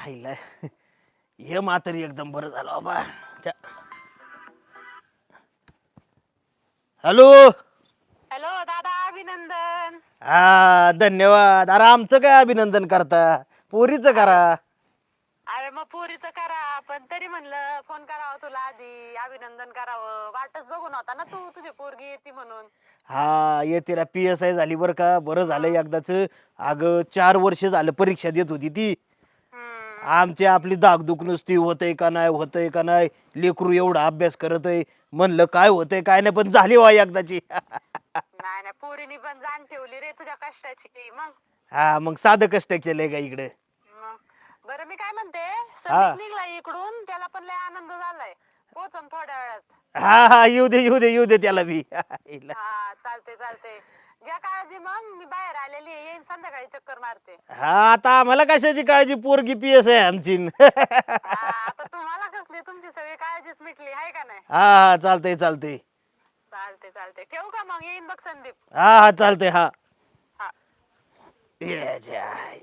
आईला हे मात्र एकदम बरं झालं बाबा. हॅलो. हॅलो दादा, अभिनंदन. हा धन्यवाद. अरे आमचं काय अभिनंदन करता, पोरीचं करा. अरे मग पोरीचं करा, पण तरी म्हणलं फोन करावं तुला आधी, अभिनंदन करावं. वाटच बघून होता ना तू, तुझी पोरगी येते म्हणून. हा येते ना, PSI झाली बरं का. बरं झालं एकदाच. अगं 4 वर्ष झालं परीक्षा देत होती ती. हम्म. आमची आपली दागदुख नुसती होतंय का नाही, होतंय का नाही. लेकरू एवढा अभ्यास करत आहे, म्हणलं काय होतंय काय नाही, पण झाली वा एकदाची. नाही नाही, पोरीनी पण जाण ठेवली रे तुझ्या कष्टाची. मग हा मग साधं कष्ट केलंय का इकडे. मग बरं, मी काय म्हणते, हा संदीप निघलाय इकडून, त्याला पण लय आनंद झालाय. पोचन थोड्या वेळात. हा हा येऊ दे येऊ दे येऊ दे त्याला बी. हा चालते चालते. घ्या काळजी, मग मी बाहेर आलेली आहे, येईन संध्याकाळी चक्कर मारते. हा आता आम्हाला कशाची काळजी, पोरगी PSI आमची. हा आता तुम्हाला कसली, तुमची सगळी काळजीच मिटली आहे का नाही. हा हा चालतंय चालतंय. चालते चालते, ठेवू का मग, येईन बघ संदीप. हा हा चालतंय हा. हा. ये जाय.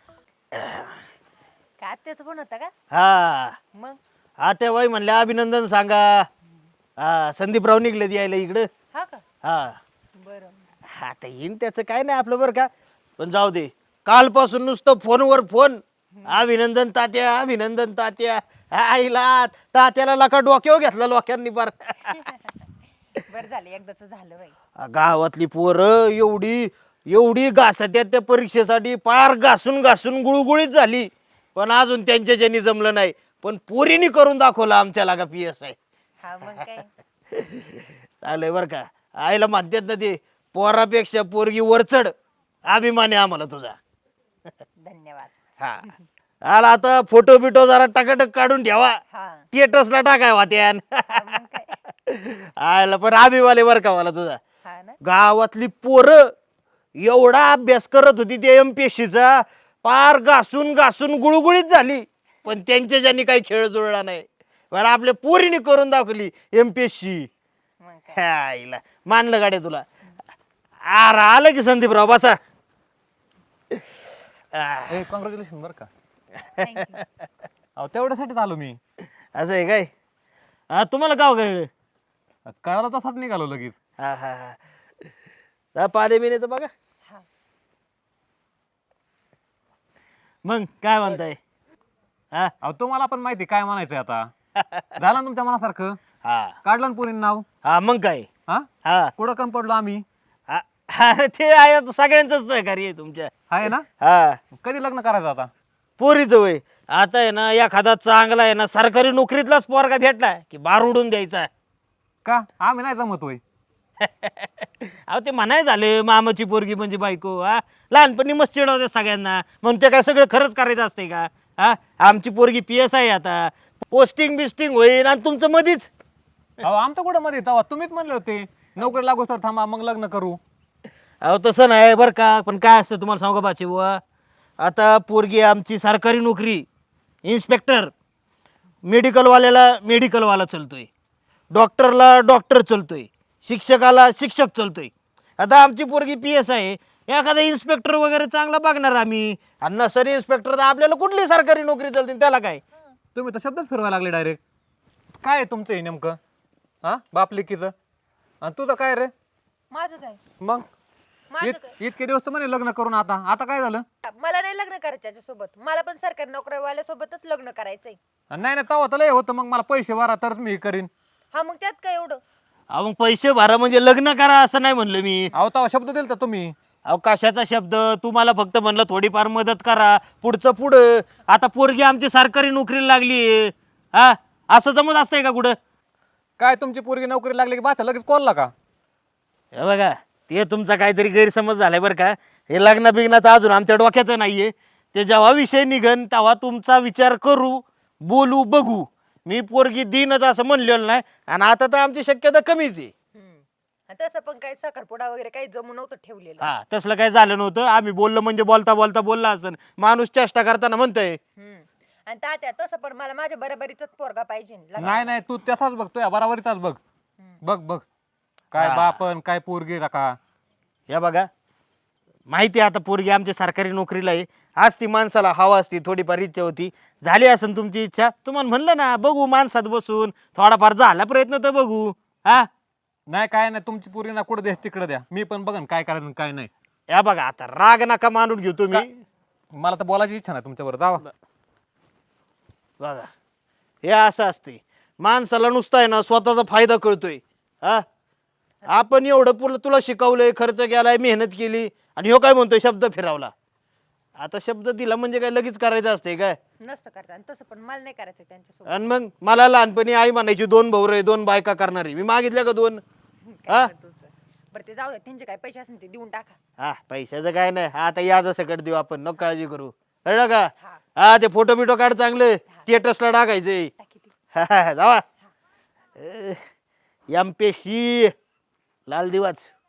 काय त्याच पण होता का हा मग? हा ते वय म्हणले अभिनंदन सांगा. हा संदीपराव निघले यायला इकडं. हा का? हा बरं. आता येईन त्याचं काय नाही आपलं बरं का. पण जाऊ दे, कालपासून नुसतं फोनवर फोन. अभिनंदन तात्या, अभिनंदन तात्या. आईला तात्याला लका डोक्यावर घेतला लोकांनी बार. बरं झालं, एकदाच झालं बाई. गावातली पोरं एवढी एवढी घासत्यात त्या परीक्षेसाठी, पार घासून घासून गुळगुळीत झाली. पण अजून त्यांच्या ज्यांनी जमलं नाही, पण पोरीनी करून दाखवलं आमच्या लागा PSI. हा मग काय. चालय बरं का. आईला म्हणतात ना ते, पोरापेक्षा पोरगी वरचढ. अभिमान आहे आम्हाला तुझा. धन्यवाद. हा आला आता फोटो बिटो जरा टकाटक काढून ठेवा, हा थिएटर्सला टाकाय वाट्यान. हा, मग काय. आयला पण अभिवाले बरं का मला तुझा. हा ना. गावातली पोरं एवढा अभ्यास करत होती त्या MPSCचा, पार घासून घासून गुळगुळीत झाली. पण त्यांच्या ज्यांनी काही खेळ जुळला नाही, बरं आपल्या पोरीने करून दाखवली MPSC. मग काय. आईला मानलं गाड्या तुला. आलं की संदीपराव बसा. कॉंग्रॅच्युलेशन बरं का. Thank you. अहो तेवढ्यासाठीच आलो मी. असं आहे काय. तुम्हाला गाव कळलं. कळाला तसाच निघालो लगेच. हा हा हा पाणी बिण्याचं बघा. हा. मग काय म्हणताय. हा अहो तुम्हाला पण माहिती काय म्हणायचंय आता. झालं ना तुमच्या मनासारखं. हा काढलं ना पुरीन नाव. हा मग काय. हा हा कुठं कम पडलो आम्ही. ते आहे आता सगळ्यांचंच सहकार्य आहे तुमच्या. आहे ना. हा कधी लग्न करायचं आता. पोरीचं वय आता आहे ना, एखादा चांगला आहे ना सरकारी नोकरीतलाच पोरगा भेटला की बार उडून द्यायचा. का आम्ही नाही जमत होय. अहो ते म्हणाय झाले मामाची पोरगी म्हणजे बायको. हा लहानपणी मस्त चिडवते सगळ्यांना, म्हणून ते काय सगळं खरंच करायचं असते का. हा आमची पोरगी PSI आता, पोस्टिंग बिस्टिंग होईल आणि तुमचं मधीच. अहो आमचं कुठं मध्ये तेव्हा तुम्हीच म्हणले होते नोकरी लागू तर थांबा मग लग्न करू. अहो तसं नाही बरं का. पण काय असतं तुम्हाला सांगू का बाची बुवा, आता पोरगी आमची सरकारी नोकरी, इन्स्पेक्टर, मेडिकलवाल्याला मेडिकलवाला चलतोय, डॉक्टरला डॉक्टर चलतोय, शिक्षकाला शिक्षक चलतोय. आता आमची पोरगी PSI आहे, एखादा इन्स्पेक्टर वगैरे चांगला बघणार आम्ही. आणि नसरी इन्स्पेक्टर तर आपल्याला कुठली सरकारी नोकरी चलते त्याला काय. तुम्ही तर शब्दच फिरवायला लागले डायरेक्ट. काय आहे तुमचं हे नेमकं. हा बाप लेकीचं. आणि तुझं काय रे. माझं काय. मग माझं काय. इतके दिवस तर म्हणे लग्न करून आता आता काय झालं. मला नाही लग्न करायचं त्याच्यासोबत, मला पण सरकारी नोकरीवाल्या सोबतच लग्न करायचंय. नाही नाही तेव्हा तर लय होतं मग मला पैसे भरा तरच मी हे करीन. हा मग त्यात काय एवढं. अहो मग पैसे भरा म्हणजे लग्न करा असं नाही म्हणलं मी. अहो तेव्हा शब्द दिलता तुम्ही. अहो कशाचा शब्द. तुम्हाला फक्त म्हणलं थोडीफार मदत करा, पुढचं पुढं. आता पोरगी आमची सरकारी नोकरीला लागली. हा असं जमत असतंय का कुठं. काय तुमची पोरगी नोकरी लागली की बाचा लगेच कोलला का. हे बघा ते तुमचा काहीतरी गैरसमज झालाय बरं का. हे लग्न बिग्नाचं अजून आमच्या डोक्याचं नाहीये. ते जेव्हा विषय निघन तेव्हा तुमचा विचार करू, बोलू, बघू. मी पोरगी देईनच असं म्हणलेलं नाही. आणि आता तर आमची शक्यता कमीच आहे. आणि तसं पण काही साखरपुडा वगैरे काही जमू नव्हतं ठेवलेलं. हा तसलं काही झालं नव्हतं. आम्ही बोललो म्हणजे बोलता बोलता बोलला असं. माणूस चेष्टा करताना म्हणतोय. आणि तात्या तसं पण मला माझ्या बरोबरीचाच पोरगा पाहिजे. नाही नाही तू त्याचाच बघतोय बराबरीचाच बघ. बघ बघ काय हा. बापन काय पोरगी का. या बघा माहिती आहे आता पोरगी आमची सरकारी नोकरीला आहे. आज ती माणसाला हवा असती, थोडीफार इच्छा होती, झाली असेल तुमची इच्छा. तुम्हाला म्हणलं ना बघू माणसात बसून थोडाफार झाला प्रयत्न तर बघू. हा नाही काय नाही, तुमची पोरी ना कुठं द्या तिकडे द्या, मी पण बघन काय करायचं आणि काय नाही. या बघा आता राग नका मानून घेऊ तुम्ही. मला तर बोलायची इच्छा नाही तुमच्याबरोबर, जावा. बघा हे असं असते, माणसाला नुसतं आहे ना स्वतःचा फायदा कळतोय. हा आपण एवढं तुला शिकवलंय, खर्च केलाय, मेहनत केली, आणि ह्यो काय म्हणतोय शब्द फिरवला. आता शब्द दिला म्हणजे काय लगेच करायचं असते काय? नसतं करता आणि तसं पण मला नाही करायचं त्यांच्यासोबत. आणि मग मला लहानपणी आई म्हणायची 2 भाऊ रे 2 बायका करणारी, मी मागितल्या का 2? काय पण तुझं. बरं ते जाऊ दे, त्यांचे काय पैसे असेल ते देऊन टाका. हा पैशाचं काय नाही, आता याच सकट देऊ आपण, नको काळजी करू. कळलं का? हा. हा ते फोटो बिटो काढ चांगले, स्टेटसला टाकायचे. टाकी ती. जावा. एम पेशी लाल दिवाच.